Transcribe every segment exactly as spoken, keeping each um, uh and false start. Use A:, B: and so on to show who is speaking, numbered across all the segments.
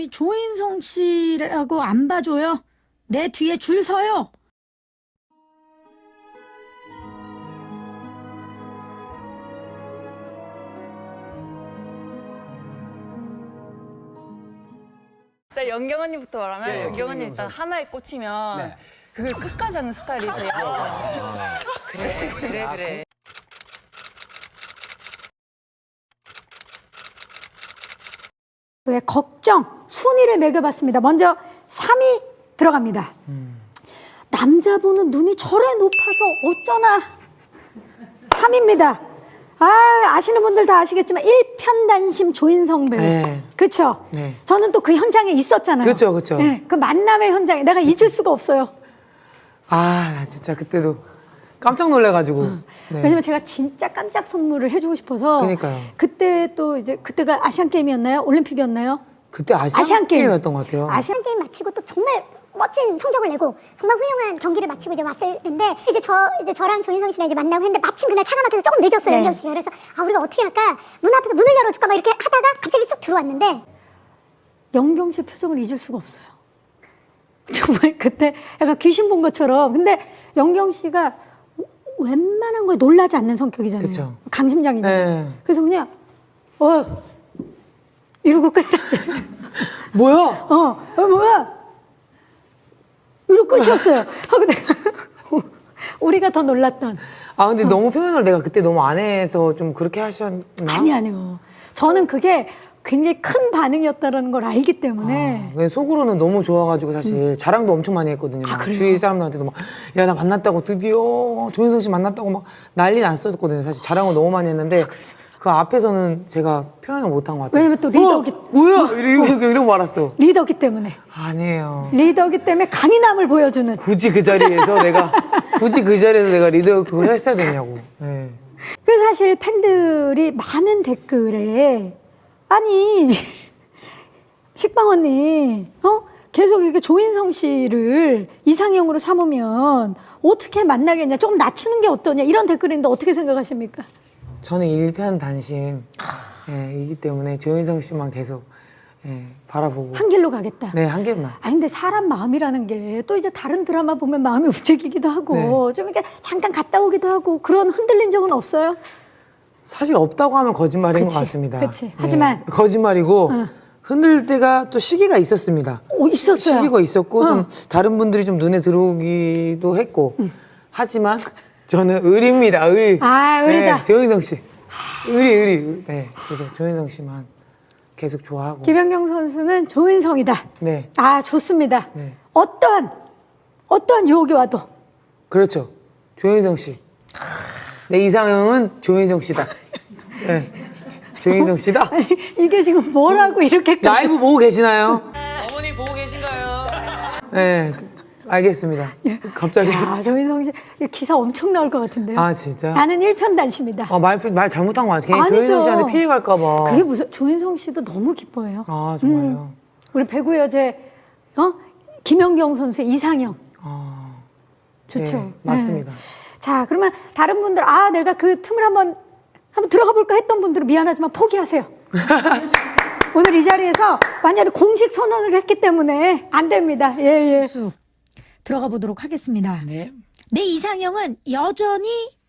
A: 조인성 씨라고 안 봐줘요? 내 뒤에 줄 서요?
B: 일단 연경 언니부터 말하면
C: 네,
B: 연경 언니
C: 김연경
B: 일단 하나에 꽂히면
C: 네.
B: 그걸 끝까지 하는 스타일이세요. 그래 그래 그래.
A: 왜 걱정, 순위를 매겨봤습니다. 먼저 삼 위 들어갑니다. 음. 남자분은 눈이 저래 높아서 어쩌나. 삼 위입니다. 아, 아시는 분들 다 아시겠지만 일편단심 조인성 배우.
D: 네.
A: 그렇죠?
D: 네.
A: 저는 또 그 현장에 있었잖아요.
D: 그쵸, 그쵸.
A: 네, 그 만남의 현장에 내가 잊을 수가 없어요.
D: 아, 나 진짜 그때도 깜짝 놀래가지고. 네.
A: 왜냐면 제가 진짜 깜짝 선물을 해주고 싶어서.
D: 그러니까요.
A: 그때 또 이제 그때가 아시안 게임이었나요? 올림픽이었나요?
D: 그때 아시안,
A: 아시안 게임.
D: 게임이었던 것 같아요.
A: 아시안
E: 게임 마치고 또 정말 멋진 성적을 내고 정말 훌륭한 경기를 마치고 이제 왔을 텐데 이제 저 이제 저랑 조인성 씨랑 이제 만나고 했는데 마침 그날 차가 막혀서 조금 늦었어요.
A: 네.
E: 연경 씨가. 그래서 아 우리가 어떻게 할까 문 앞에서 문을 열어줄까 막 이렇게 하다가 갑자기 쑥 들어왔는데
A: 연경 씨 표정을 잊을 수가 없어요. 정말 그때 약간 귀신 본 것처럼. 근데 연경 씨가 웬만한 거에 놀라지 않는 성격이잖아요.
D: 그쵸.
A: 강심장이잖아요.
D: 네.
A: 그래서 그냥 어 이러고 끝났잖아요.
D: 뭐야?
A: 어, 어 뭐야? 이러고 끝이었어요. 하고 내가 우리가 더 놀랐던.
D: 아, 근데 너무 표현을 내가 그때 너무 안 해서 좀 그렇게 하셨나?
A: 아니 아니요. 저는 그게 굉장히 큰 반응이었다는 걸 알기 때문에.
D: 아, 속으로는 너무 좋아가지고 사실 음. 자랑도 엄청 많이 했거든요.
A: 아,
D: 막
A: 그래요?
D: 주위 사람들한테도 막, 야, 나 만났다고 드디어 조인성 씨 만났다고 막 난리 났었거든요. 사실 자랑을 너무 많이 했는데 그 앞에서는 제가 표현을 못한 것 같아요.
A: 왜냐면 또 리더기-
D: 어, 뭐야? 이러고, 이러고, 이러고 말았어.
A: 리더기 때문에.
D: 아니에요.
A: 리더기 때문에 강인함을 보여주는.
D: 굳이 그 자리에서 내가 굳이 그 자리에서 내가 리더 그걸 했어야 되냐고. 네.
A: 그 사실 팬들이 많은 댓글에 아니 식빵 언니 어 계속 이렇게 조인성 씨를 이상형으로 삼으면 어떻게 만나겠냐, 조금 낮추는 게 어떠냐, 이런 댓글인데 어떻게 생각하십니까?
D: 저는 일편단심 예, 이기 때문에 조인성 씨만 계속 예, 바라보고
A: 한 길로 가겠다.
D: 네, 한 개만.
A: 아 근데 사람 마음이라는 게 또 이제 다른 드라마 보면 마음이 움직이기도 하고
D: 네.
A: 좀 이렇게 잠깐 갔다 오기도 하고 그런 흔들린 적은 없어요?
D: 사실 없다고 하면 거짓말인
A: 그치,
D: 것 같습니다.
A: 그치.
D: 예,
A: 하지만
D: 거짓말이고
A: 어.
D: 흔들 때가 또 시기가 있었습니다.
A: 오, 있었어요.
D: 시기가 있었고
A: 어.
D: 좀 다른 분들이 좀 눈에 들어오기도 했고 하지만 저는 의리입니다. 의리.
A: 아, 의리다.
D: 네, 조인성 씨. 의리 의리. 네, 그래서 조인성 씨만 계속 좋아하고.
A: 김연경 선수는 조인성이다.
D: 네.
A: 아 좋습니다.
D: 네.
A: 어떠한 어떠한 유혹이 와도
D: 그렇죠. 조인성 씨. 내 이상형은 조인성 씨다. 네. 조인성 씨다.
A: 아니 이게 지금 뭐라고 이렇게
D: 라이브 보고 계시나요? 어머니 보고 계신가요? 네. 알겠습니다. 갑자기.
A: 야 조인성 씨 기사 엄청 나올 것 같은데요.
D: 아, 진짜?
A: 나는 일편단심이다.
D: 아, 말, 말 잘못한 거 같아. 괜히
A: 아니죠.
D: 조인성 씨한테 피해 갈까봐.
A: 그게 무슨, 조인성 씨도 너무 기뻐해요.
D: 아, 정말요?
A: 음, 우리 배구 여제 어 김연경 선수의 이상형
D: 아,
A: 좋죠.
D: 네, 맞습니다.
A: 네. 자 그러면 다른 분들 아 내가 그 틈을 한번 한번 들어가 볼까 했던 분들은 미안하지만 포기하세요. 오늘 이 자리에서 완전히 공식 선언을 했기 때문에 안 됩니다. 예 예. 들어가 보도록 하겠습니다.
D: 네.
A: 내 이상형은 여전히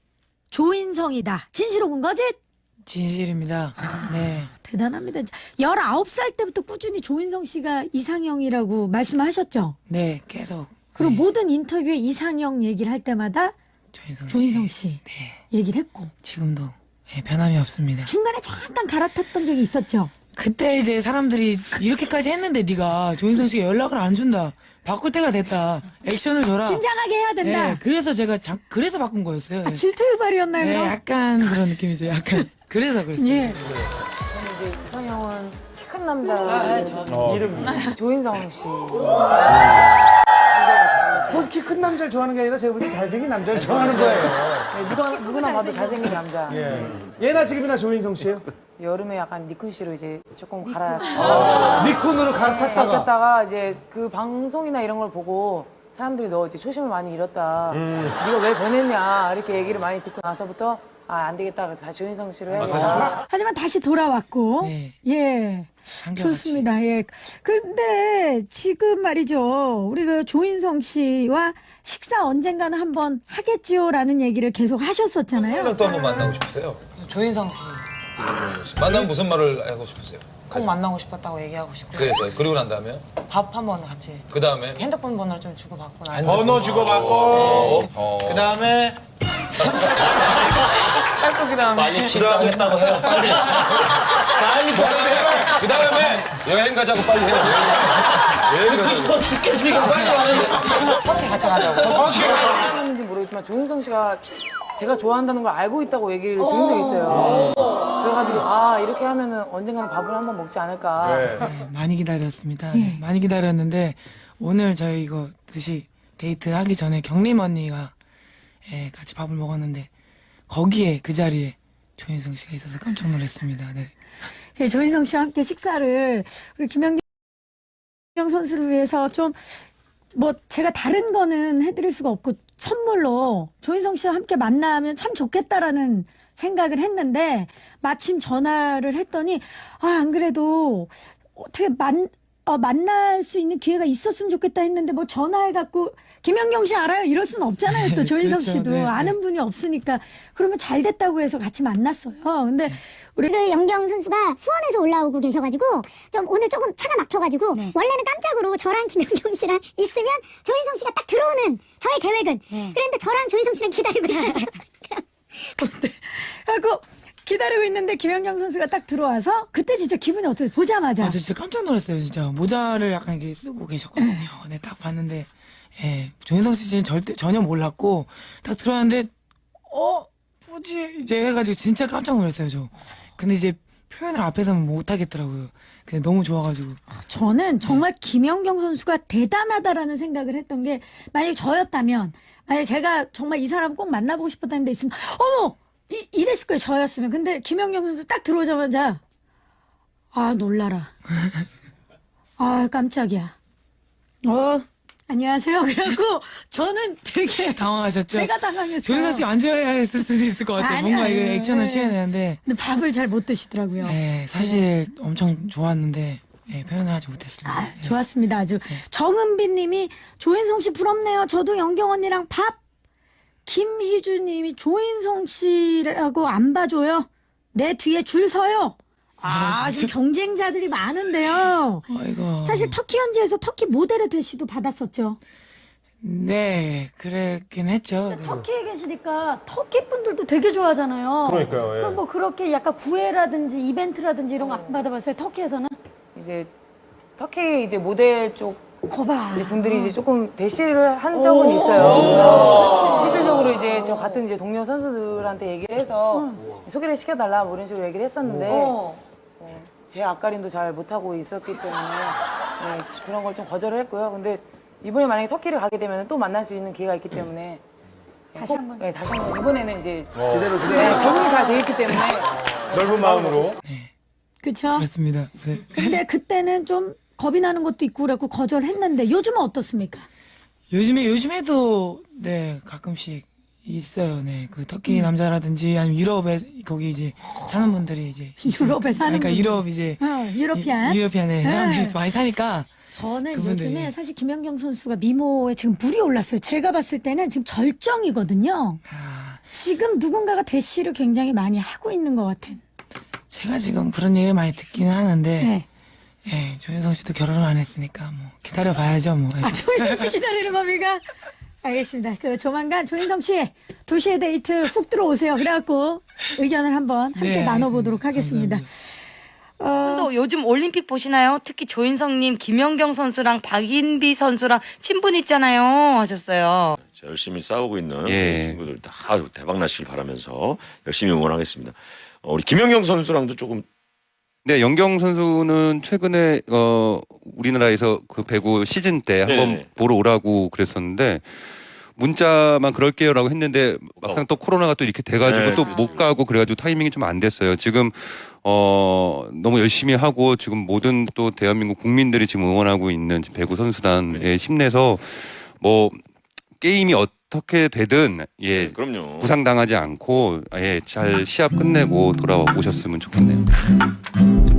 A: 조인성이다. 진실옥은 거짓?
F: 진실입니다. 네.
A: 대단합니다. 열아홉 살 때부터 꾸준히 조인성 씨가 이상형이라고 말씀하셨죠?
F: 네, 계속.
A: 그리고
F: 네.
A: 모든 인터뷰에 이상형 얘기를 할 때마다
F: 조인성 씨.
A: 조인성 씨
F: 네.
A: 얘기를 했고
F: 지금도 네, 변함이 없습니다.
A: 중간에 잠깐 갈아탔던 적이 있었죠?
F: 그때 이제 사람들이 이렇게까지 했는데 네가 조인성 씨가 연락을 안 준다. 바꿀 때가 됐다. 액션을 줘라.
A: 긴장하게 해야 된다.
F: 네, 그래서 제가 자, 그래서 바꾼 거였어요.
A: 아, 질투 유발이었나요?
F: 네,
A: 그럼?
F: 약간 그런 느낌이죠. 약간. 그래서 그랬어요.
A: 예.
G: 저는 이제 이상형은 키 큰 남자 이름 조인성 씨.
C: 키 큰 남자를 좋아하는 게 아니라 제가 볼 때 잘생긴 남자를 좋아하는 거예요.
G: 네, 누가 누구나 봐도 잘생긴 남자.
C: 예. 예나 지금이나 조인성 씨예요?
G: 여름에 약간 니쿤 씨로 이제 조금 갈아
C: 니콘으로 갈아탔다가
G: 바뀌었다가 이제 그 방송이나 이런 걸 보고 사람들이 너 이제 초심을 많이 잃었다. 네가 왜 변했냐 이렇게 얘기를 많이 듣고 나서부터 아, 안 되겠다. 그래서 다시 조인성 씨로 해서.
A: 하지만 다시 돌아왔고.
F: 네.
A: 예.
F: 한결같이.
A: 좋습니다. 예. 근데 지금 말이죠. 우리 그 조인성 씨와 식사 언젠가는 한번 하겠지요라는 얘기를 계속 하셨었잖아요.
H: 또 한번 만나고 싶으세요?
F: 조인성 씨.
H: 만나면 무슨 말을 하고 싶으세요?
F: 꼭 만나고 싶었다고 얘기하고 싶고
H: 그래서 그리고 난 다음에
F: 밥 한번 같이
H: 그 다음에
F: 핸드폰 번호를 좀 주고받고 나서
I: 번호 주고받고
H: 어.
I: 그 다음에
F: 짧고 그다음에
H: 빨리 키스하겠다고 해요. 빨리. 빨리 그 다음에 여행 가자고 빨리 해요. 듣고 싶어 죽겠으니까 빨리 와.
F: 터키 같이 가자고.
G: 하는지 모르겠지만 조인성 씨가 제가 좋아한다는 걸 알고 있다고 얘기를 들은 적이 있어요. 그래가지고 아 이렇게 하면은 언젠가는 밥을 한번 먹지 않을까.
F: 네, 많이 기다렸습니다. 네, 많이 기다렸는데 오늘 저희 이거 두 시 데이트 하기 전에 경림 언니가 예, 같이 밥을 먹었는데 거기에 그 자리에 조인성 씨가 있어서 깜짝 놀랐습니다. 네.
A: 저희 조인성 씨와 함께 식사를 우리 김연경 선수를 위해서 좀 뭐 제가 다른 거는 해드릴 수가 없고 선물로 조인성 씨와 함께 만나면 참 좋겠다라는 생각을 했는데 마침 전화를 했더니 아, 안 그래도 어떻게 만, 어, 만날 수 있는 기회가 있었으면 좋겠다 했는데 뭐 전화해갖고 김연경 씨 알아요? 이럴 수는 없잖아요. 또 조인성
F: 그렇죠.
A: 씨도
F: 네, 네.
A: 아는 분이 없으니까 그러면 잘 됐다고 해서 같이 만났어요. 근데 우리
E: 그 연경 선수가 수원에서 올라오고 계셔가지고 좀 오늘 조금 차가 막혀가지고 원래는 깜짝으로 저랑 김연경 씨랑 있으면 조인성 씨가 딱 들어오는 저의 계획은 그런데 저랑 조인성 씨랑 기다리고 있었어요.
A: 하고 기다리고 있는데 김연경 선수가 딱 들어와서 그때 진짜 기분이 어떻게 보자마자
F: 아, 저 진짜 깜짝 놀랐어요, 진짜. 모자를 약간 이렇게 쓰고 계셨거든요. 네, 딱 봤는데, 예, 조인성 씨는 절대, 전혀 몰랐고, 딱 들어왔는데, 어, 뭐지? 이제 해가지고 진짜 깜짝 놀랐어요, 저. 근데 이제 표현을 앞에서는 못 하겠더라고요. 근데 너무 좋아가지고.
A: 저는 정말 김연경 선수가 대단하다라는 생각을 했던 게 만약에 저였다면 만약에 제가 정말 이 사람 꼭 만나보고 싶었다는 데 있으면 어머! 이, 이랬을 거예요, 저였으면. 근데 김연경 선수 딱 들어오자마자 아, 놀라라. 아, 깜짝이야. 어, 안녕하세요. 그래갖고 저는 되게
F: 당황하셨죠?
A: 제가 당황했어요.
F: 조인성 씨 안 좋아했을 수도 있을 것 같아요.
A: 아니,
F: 뭔가
A: 아니,
F: 이거 액션을
A: 네.
F: 취해야 되는데.
A: 근데 밥을 잘 못 드시더라고요.
F: 네, 사실 엄청 좋았는데, 예, 표현을 하지 못했습니다.
A: 아,
F: 예.
A: 좋았습니다. 아주. 정은빈 님이 조인성 씨 부럽네요. 저도 연경 언니랑 밥. 김희주 님이 조인성 씨라고 안 봐줘요. 내 뒤에 줄 서요. 아, 아주 경쟁자들이 많은데요.
F: 아이고.
A: 사실 터키 현지에서 터키 모델의 대시도 받았었죠.
F: 네, 그랬긴 했죠. 네.
A: 터키에 계시니까 터키 분들도 되게 좋아하잖아요.
I: 그러니까요, 예.
A: 그럼 뭐 그렇게 약간 구애라든지 이벤트라든지 이런 거 안 받아봤어요? 터키에서는?
G: 이제 터키 이제 모델 쪽
A: 거봐.
G: 이제 분들이 이제 조금 대시를 한 적은 있어요. 그래서 실질적으로 이제 저 같은 이제 동료 선수들한테 얘기를 해서 소개를 시켜달라 뭐 이런 식으로 얘기를 했었는데 어, 제 앞가림도 잘 못하고 있었기 때문에 네, 그런 걸 좀 거절을 했고요. 근데 이번에 만약에 터키를 가게 되면 또 만날 수 있는 기회가 있기 때문에
A: 다시
G: 꼭,
A: 한번.
G: 네, 다시 한번 이번에는 이제
H: 제대로
G: 네, 적응이 잘 돼 있기 때문에
I: 넓은 마음으로
A: 그쵸?
F: 그렇습니다. 네.
A: 근데 그때는 좀 겁이 나는 것도 있고 그래갖고 거절했는데 요즘은 어떻습니까?
F: 요즘에, 요즘에도, 네, 가끔씩 있어요. 네. 그 터키 남자라든지 아니면 유럽에, 거기 이제 사는 분들이 이제.
A: 유럽에 사는
F: 그러니까
A: 분들.
F: 유럽 이제.
A: 어, 유러피안.
F: 유- 유러피안에
A: 네.
F: 사람들이 많이 사니까.
A: 저는
F: 그분들이.
A: 요즘에 사실 김연경 선수가 미모에 지금 물이 올랐어요. 제가 봤을 때는 지금 절정이거든요.
F: 아,
A: 지금 누군가가 대시를 굉장히 많이 하고 있는 것 같은.
F: 제가 지금 그런 얘기를 많이 듣기는 하는데.
A: 네.
F: 예, 조인성 씨도 결혼을 안 했으니까 뭐 기다려 봐야죠 뭐.
A: 아, 조인성 씨 기다리는 겁니까? 알겠습니다. 그 조만간 조인성 씨 두 시에 데이트 훅 들어오세요. 그래갖고 의견을 한번 함께
F: 네,
A: 나눠보도록 하겠습니다. 어,
B: 또 요즘 올림픽 보시나요? 특히 조인성님, 김연경 선수랑 박인비 선수랑 친분 있잖아요. 하셨어요.
J: 열심히 싸우고 있는
K: 예.
J: 친구들 다 대박 나시길 바라면서 열심히 응원하겠습니다. 어, 우리 김연경 선수랑도 조금
K: 네, 연경 선수는 최근에 어 우리나라에서 그 배구 시즌 때 한번
J: 네네.
K: 보러 오라고 그랬었는데 문자만 그럴게요라고 했는데 막상 또 코로나가 또 이렇게 돼가지고
J: 네,
K: 또
J: 그렇죠.
K: 못 가고 그래가지고 타이밍이 좀 안 됐어요. 지금 어 너무 열심히 하고 지금 모든 또 대한민국 국민들이 지금 응원하고 있는 배구 선수단에 힘내서 뭐 게임이 어 어떻게 되든 예
J: 네, 그럼요.
K: 부상당하지 않고 예 잘 시합 끝내고 돌아오셨으면 좋겠네요.